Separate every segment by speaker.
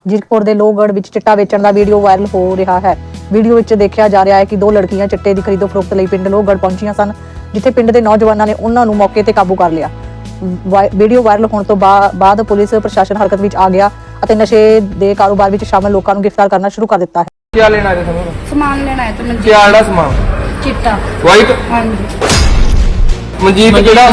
Speaker 1: जीरकपुर के लोहगढ़ विच चिट्टा वेचण का वीडियो वायरल हो रहा है। वीडियो विच देखा जा रहा है कि दो लड़कियां चिट्टे की खरीदो फरोख्त लई पिंड लोहगढ़ पहुंचियां सन, जिथे पिंड के नौजवानों ने उन्हां नूं मौके ते काबू कर लिया। वीडियो वायरल होने तो बाद पुलिस प्रशासन हरकत विच आ गया और नशे के कारोबार विच शामिल लोगों को गिरफ्तार करना शुरू कर दिता है।
Speaker 2: क्या लेना है?
Speaker 3: सामान लेना है। तो
Speaker 2: क्या आड़ा सामान?
Speaker 3: चिट्टा
Speaker 2: वाइट।
Speaker 3: हाँ जी।
Speaker 2: मजीद जेड़ा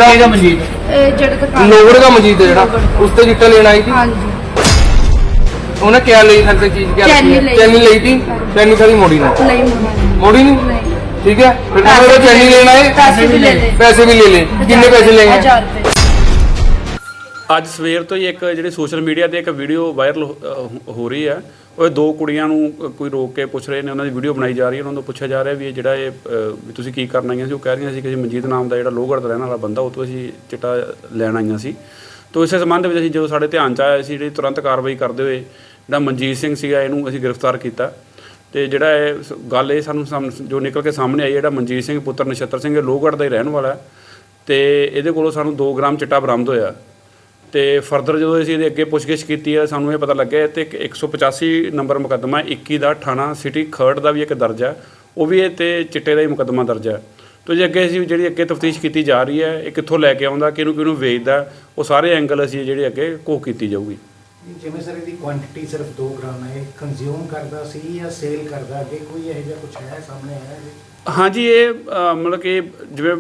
Speaker 3: जेड़ा दुकान
Speaker 2: लोहगढ़ का मजीद जेड़ा उस ते चिट्टा लेना आई थी।
Speaker 3: हाँ जी।
Speaker 2: उन्हें क्या ली थी चीज? क्या चैनी ली थी? चैनी सारी मोड़ी ना?
Speaker 3: नहीं
Speaker 2: मोड़ी नहीं। ठीक है, फिर चैनी लेना है, पैसे भी ले ले। कितने पैसे लेंगे?
Speaker 3: 1000 रुपए।
Speaker 4: ਅੱਜ ਸਵੇਰ ਤੋਂ ਹੀ ਇੱਕ ਜਿਹੜੀ ਸੋਸ਼ਲ ਮੀਡੀਆ ਤੇ ਇੱਕ ਵੀਡੀਓ ਵਾਇਰਲ ਹੋ ਰਹੀ ਹੈ। ਉਹ ਦੋ ਕੁੜੀਆਂ ਨੂੰ ਕੋਈ ਰੋਕ ਕੇ ਪੁੱਛ ਰਹੇ ਨੇ, ਉਹਨਾਂ ਦੀ ਵੀਡੀਓ ਬਣਾਈ ਜਾ ਰਹੀ ਹੈ। ਉਹਨਾਂ ਨੂੰ ਪੁੱਛਿਆ ਜਾ ਰਿਹਾ ਵੀ ਇਹ ਜਿਹੜਾ ਵੀ ਤੁਸੀਂ ਕੀ ਕਰਨ ਆਈਆਂ ਸੀ। ਉਹ ਕਹਿ ਰਹੀਆਂ ਸੀ ਕਿ ਮਨਜੀਤ ਨਾਮ ਦਾ ਜਿਹੜਾ ਲੋਹਗੜ੍ਹ ਦਾ ਰਹਿਣ ਵਾਲਾ ਬੰਦਾ, ਉਹ ਤੋਂ ਅਸੀਂ ਚਿੱਟਾ ਲੈਣ ਆਈਆਂ ਸੀ। ਤਾਂ ਇਸੇ ਸੰਬੰਧ ਵਿੱਚ ਅਸੀਂ ਜਦੋਂ ਸਾਡੇ ਧਿਆਨ 'ਚ ਆਇਆ ਸੀ, ਜਿਹੜੀ ਤੁਰੰਤ ਕਾਰਵਾਈ ਕਰਦੇ ਹੋਏ ਜਿਹੜਾ ਮਨਜੀਤ ਸਿੰਘ ਸੀਗਾ ਇਹਨੂੰ ਅਸੀਂ ਗ੍ਰਿਫਤਾਰ ਕੀਤਾ। ਅਤੇ ਜਿਹੜਾ ਇਹ ਗੱਲ ਇਹ ਸਾਨੂੰ ਜੋ ਨਿਕਲ ਕੇ ਸਾਹਮਣੇ ਆਈ, ਜਿਹੜਾ ਮਨਜੀਤ ਸਿੰਘ ਪੁੱਤਰ ਨਛੱਤਰ ਸਿੰਘ ਲੋਹਗੜ੍ਹ ਦਾ ਹੀ ਰਹਿਣ ਵਾਲਾ ਅਤੇ ਇਹਦੇ ਕੋਲੋਂ ਸਾਨੂੰ 2 ਗ੍ਰਾਮ ਚਿੱਟਾ ਬਰਾਮਦ ਹੋਇਆ। ਅਤੇ ਫਰਦਰ ਜਦੋਂ ਅਸੀਂ ਇਹਦੇ ਅੱਗੇ ਪੁੱਛਗਿੱਛ ਕੀਤੀ ਹੈ, ਸਾਨੂੰ ਇਹ ਪਤਾ ਲੱਗਿਆ ਅਤੇ 185 ਨੰਬਰ ਮੁਕੱਦਮਾ 21 ਦਾ ਥਾਣਾ ਸਿਟੀ ਖਰੜ ਦਾ ਵੀ ਇੱਕ ਦਰਜ ਹੈ, ਉਹ ਵੀ ਇਹ 'ਤੇ ਚਿੱਟੇ ਦਾ ਹੀ ਮੁਕੱਦਮਾ ਦਰਜ ਹੈ। ਅਤੇ ਜੇ ਅੱਗੇ ਅਸੀਂ ਜਿਹੜੀ ਅੱਗੇ ਤਫਤੀਸ਼ ਕੀਤੀ ਜਾ ਰਹੀ ਹੈ, ਇਹ ਕਿੱਥੋਂ ਲੈ ਕੇ ਆਉਂਦਾ, ਕਿਹਨੂੰ ਵੇਚਦਾ, ਉਹ ਸਾਰੇ ਐਂਗਲ ਅਸੀਂ ਜਿਹੜੇ ਅੱਗੇ ਘੋਖ ਕੀਤੀ ਜਾਊਗੀ।
Speaker 5: ਜਿਵੇਂ ਸਰ ਇਹਦੀ ਕੁਆਂਟੀਟੀ ਸਿਰਫ 2 ਗ੍ਰਾਮ ਹੈ, ਕੰਜ਼ਿਊਮ ਕਰਦਾ ਸੀ ਜਾਂ ਸੇਲ ਕਰਦਾ, ਅੱਗੇ ਕੋਈ ਇਹੋ ਜਿਹਾ ਕੁਝ ਹੈ ਸਾਹਮਣੇ ਆਇਆ?
Speaker 4: ਹਾਂਜੀ, ਇਹ ਮਤਲਬ ਕਿ ਜਿਵੇਂ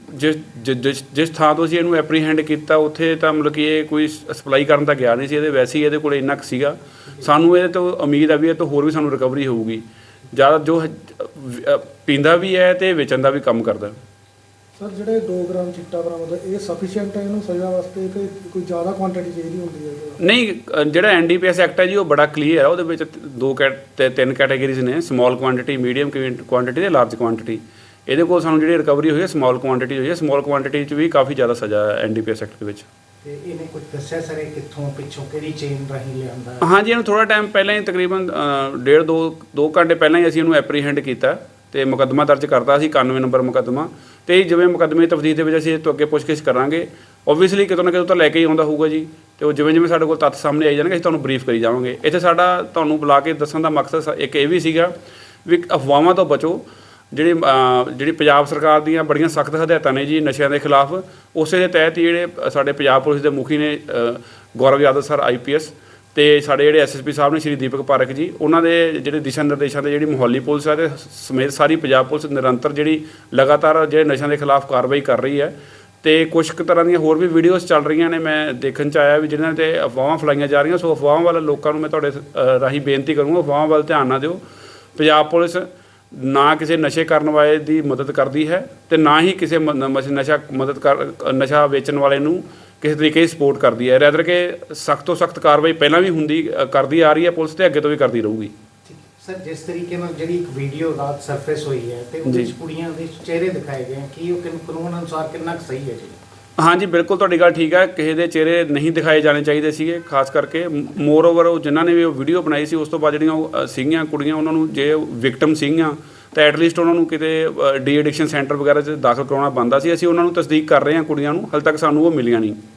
Speaker 4: ਜਿਸ ਥਾਂ ਤੋਂ ਅਸੀਂ ਇਹਨੂੰ ਐਪਰੀਹੈਂਡ ਕੀਤਾ, ਉੱਥੇ ਤਾਂ ਮਤਲਬ ਕਿ ਇਹ ਕੋਈ ਸਪਲਾਈ ਕਰਨ ਤਾਂ ਗਿਆ ਨਹੀਂ ਸੀ। ਇਹਦੇ ਵੈਸੇ ਹੀ ਇਹਦੇ ਕੋਲ ਇੰਨਾ ਕੁ ਸੀਗਾ। ਸਾਨੂੰ ਇਹਦੇ ਤੋਂ ਉਮੀਦ ਹੈ ਵੀ ਇਹ ਤੋਂ ਹੋਰ ਵੀ ਸਾਨੂੰ ਰਿਕਵਰੀ ਹੋਊਗੀ। ਜ਼ਿਆਦਾ ਜੋ ਪੀਂਦਾ ਵੀ ਹੈ ਅਤੇ ਵੇਚਣ ਦਾ ਵੀ ਕੰਮ ਕਰਦਾ।
Speaker 6: ਸਰ ਜਿਹੜੇ 2 ਗ੍ਰਾਮ ਚਿੱਟਾ ਬਰਾਮਦ ਹੈ, ਇਹ ਸਫੀਸ਼ੀਐਂਟ ਹੈ ਇਹਨੂੰ ਸਜ਼ਾ ਵਾਸਤੇ ਕਿ ਕੋਈ ਜ਼ਿਆਦਾ ਕੁਆਂਟੀਟੀ ਚਾਹੀਦੀ ਹੁੰਦੀ ਹੈ?
Speaker 4: ਨਹੀਂ, ਜਿਹੜਾ NDPS ਐਕਟ ਹੈ ਜੀ, ਉਹ ਬੜਾ ਕਲੀਅਰ ਹੈ। ਉਹਦੇ ਵਿੱਚ 3 ਕੈਟਾਗਰੀਜ਼ ਨੇ, ਸਮੋਲ ਕੁਆਂਟਿਟੀ, ਮੀਡੀਅਮ ਕੁਆਂਟਿਟੀ ਅਤੇ ਲਾਰਜ ਕੁਆਂਟਿਟੀ। ਇਹਦੇ ਕੋਲ ਸਾਨੂੰ ਜਿਹੜੀ ਰਿਕਵਰੀ ਹੋਈ ਹੈ ਸਮੋਲ ਕੁਆਂਟਿਟੀ ਹੋਈ ਹੈ। ਸਮੋਲ ਕੁਆਂਟਿਟੀ 'ਚ ਵੀ ਕਾਫੀ ਜ਼ਿਆਦਾ ਸਜ਼ਾ ਹੈ NDPS ਐਕਟ ਦੇ ਵਿੱਚ।
Speaker 5: ਤੇ ਇਹਨੇ ਕੁਝ ਦੱਸਿਆ ਸਰ ਇਹ ਕਿੱਥੋਂ ਪਿੱਛੋਂ ਕਿਹੜੀ ਚੇਨ ਰਾਹੀਂ ਲਿਆਂਦਾ?
Speaker 4: ਹਾਂਜੀ, ਇਹਨੂੰ ਥੋੜ੍ਹਾ ਟਾਈਮ ਪਹਿਲਾਂ ਹੀ, ਤਕਰੀਬਨ 1.5-2 ਘੰਟੇ ਪਹਿਲਾਂ ਹੀ ਅਸੀਂ ਇਹਨੂੰ ਐਪਰੀਹੈਂਡ ਕੀਤਾ ਅਤੇ ਮੁਕੱਦਮਾ ਦਰਜ ਕਰਤਾ ਸੀ, 91 ਨੰਬਰ ਮੁਕੱਦਮਾ। ਅਤੇ ਜਿਵੇਂ ਮੁਕੱਦਮੇ ਦੀ ਤਫਤੀਸ਼ ਦੇ ਵਿੱਚ ਅਸੀਂ ਇਹ ਤੋਂ ਅੱਗੇ ਪੁੱਛਗਿੱਛ ਕਰਾਂਗੇ। ਓਬਵੀਅਸਲੀ ਕਿਤੋਂ ਨਾ ਕਿਤੋਂ ਤਾਂ ਲੈ ਕੇ ਹੀ ਆਉਂਦਾ ਹੋਊਗਾ ਜੀ। ਅਤੇ ਉਹ ਜਿਵੇਂ ਸਾਡੇ ਕੋਲ ਤੱਥ ਸਾਹਮਣੇ ਆਈ ਜਾਣਗੇ, ਅਸੀਂ ਤੁਹਾਨੂੰ ਬਰੀਫ ਕਰੀ ਜਾਵਾਂਗੇ। ਇੱਥੇ ਸਾਡਾ ਤੁਹਾਨੂੰ ਬੁਲਾ ਕੇ ਦੱਸਣ ਦਾ ਮਕਸਦ ਇੱਕ ਇਹ ਵੀ ਸੀਗਾ ਵੀ ਅਫਵਾਹਾਂ ਤੋਂ ਬਚੋ। ਜਿਹੜੀ ਪੰਜਾਬ ਸਰਕਾਰ ਦੀਆਂ ਬੜੀਆਂ ਸਖਤ ਹਦਾਇਤਾਂ ਨੇ ਜੀ ਨਸ਼ਿਆਂ ਦੇ ਖਿਲਾਫ, ਉਸੇ ਦੇ ਤਹਿਤ ਹੀ ਜਿਹੜੇ ਸਾਡੇ ਪੰਜਾਬ ਪੁਲਿਸ ਦੇ ਮੁਖੀ ਨੇ ਗੌਰਵ ਯਾਦਵ ਸਰ IPS, ਅਤੇ ਸਾਡੇ ਜਿਹੜੇ SSP ਸਾਹਿਬ ਨੇ ਸ਼੍ਰੀ ਦੀਪਕ ਪਾਰਕ ਜੀ, ਉਹਨਾਂ ਦੇ ਜਿਹੜੇ ਦਿਸ਼ਾ ਨਿਰਦੇਸ਼ਾਂ 'ਤੇ ਜਿਹੜੀ ਮੁਹੱਲੀ ਪੁਲਿਸ ਹੈ ਅਤੇ ਸਮੇਤ ਸਾਰੀ ਪੰਜਾਬ ਪੁਲਿਸ ਨਿਰੰਤਰ ਜਿਹੜੀ ਲਗਾਤਾਰ ਜਿਹੜੇ ਨਸ਼ਿਆਂ ਦੇ ਖਿਲਾਫ ਕਾਰਵਾਈ ਕਰ ਰਹੀ ਹੈ। ਅਤੇ ਕੁਛ ਕੁ ਤਰ੍ਹਾਂ ਦੀਆਂ ਹੋਰ ਵੀ ਵੀਡੀਓਜ਼ ਚੱਲ ਰਹੀਆਂ ਨੇ, ਮੈਂ ਦੇਖਣ 'ਚ ਆਇਆ ਵੀ ਜਿਹਨਾਂ 'ਤੇ ਅਫਵਾਹਾਂ ਫੈਲਾਈਆਂ ਜਾ ਰਹੀਆਂ। ਸੋ ਅਫਵਾਹਾਂ ਵਾਲੇ ਲੋਕਾਂ ਨੂੰ ਮੈਂ ਤੁਹਾਡੇ ਰਾਹੀਂ ਬੇਨਤੀ ਕਰੂੰਗਾ, ਅਫਵਾਹਾਂ ਵੱਲ ਧਿਆਨ ਨਾ ਦਿਓ। ਪੰਜਾਬ ਪੁਲਿਸ ਨਾ ਕਿਸੇ ਨਸ਼ੇ ਕਰਨ ਵਾਲੇ ਦੀ ਮਦਦ ਕਰਦੀ ਹੈ ਅਤੇ ਨਾ ਹੀ ਕਿਸੇ ਨਸ਼ਾ ਵੇਚਣ ਵਾਲੇ ਨੂੰ ਕਿਸੇ ਤਰੀਕੇ ਦੀ ਸਪੋਰਟ ਕਰਦੀ ਹੈ। ਰੈਦਰ ਕਿ ਸਖਤ ਤੋਂ ਸਖਤ ਕਾਰਵਾਈ ਪਹਿਲਾਂ ਵੀ ਕਰਦੀ ਆ ਰਹੀ ਹੈ ਪੁਲਿਸ, ਅਤੇ ਅੱਗੇ ਤੋਂ ਵੀ ਕਰਦੀ ਰਹੂਗੀ।
Speaker 5: ਸਰ, ਜਿਸ ਤਰੀਕੇ ਨਾਲ ਜਿਹੜੀ ਇੱਕ ਵੀਡੀਓ ਰਾਤ ਸਰਫੇਸ ਹੋਈ ਹੈ ਅਤੇ ਉਹਦੇ ਵਿੱਚ ਕੁੜੀਆਂ ਦੇ ਚਿਹਰੇ ਦਿਖਾਏ ਗਏ, ਕੀ ਉਹ ਕਾਨੂੰਨ ਅਨੁਸਾਰ ਕਿੰਨਾ ਕੁ ਸਹੀ ਹੈ ਜੀ? ਹਾਂਜੀ,
Speaker 4: ਬਿਲਕੁਲ ਤੁਹਾਡੀ ਗੱਲ ਠੀਕ ਹੈ। ਕਿਸੇ ਦੇ ਚਿਹਰੇ ਨਹੀਂ ਦਿਖਾਏ ਜਾਣੇ ਚਾਹੀਦੇ ਸੀਗੇ, ਖਾਸ ਕਰਕੇ। ਮੋਰ ਓਵਰ ਉਹ ਜਿਨ੍ਹਾਂ ਨੇ ਵੀ ਉਹ ਵੀਡੀਓ ਬਣਾਈ ਸੀ, ਉਸ ਤੋਂ ਬਾਅਦ ਜਿਹੜੀਆਂ ਉਹ ਸੀਗੀਆਂ ਕੁੜੀਆਂ, ਉਹਨਾਂ ਨੂੰ ਜੇ ਵਿਕਟਮ ਸੀਗੀਆਂ ਤਾਂ ਐਟਲੀਸਟ ਉਹਨਾਂ ਨੂੰ ਕਿਤੇ ਡੀ ਐਡਿਕਸ਼ਨ ਸੈਂਟਰ ਵਗੈਰਾ 'ਚ ਦਾਖਲ ਕਰਾਉਣਾ ਬਣਦਾ ਸੀ। ਅਸੀਂ ਉਹਨਾਂ ਨੂੰ ਤਸਦੀਕ ਕਰ ਰਹੇ ਹਾਂ ਕੁੜੀਆਂ ਨੂੰ, ਹਾਲੇ ਤੱਕ ਸਾਨੂੰ ਉਹ ਮਿਲੀਆਂ ਨਹੀਂ।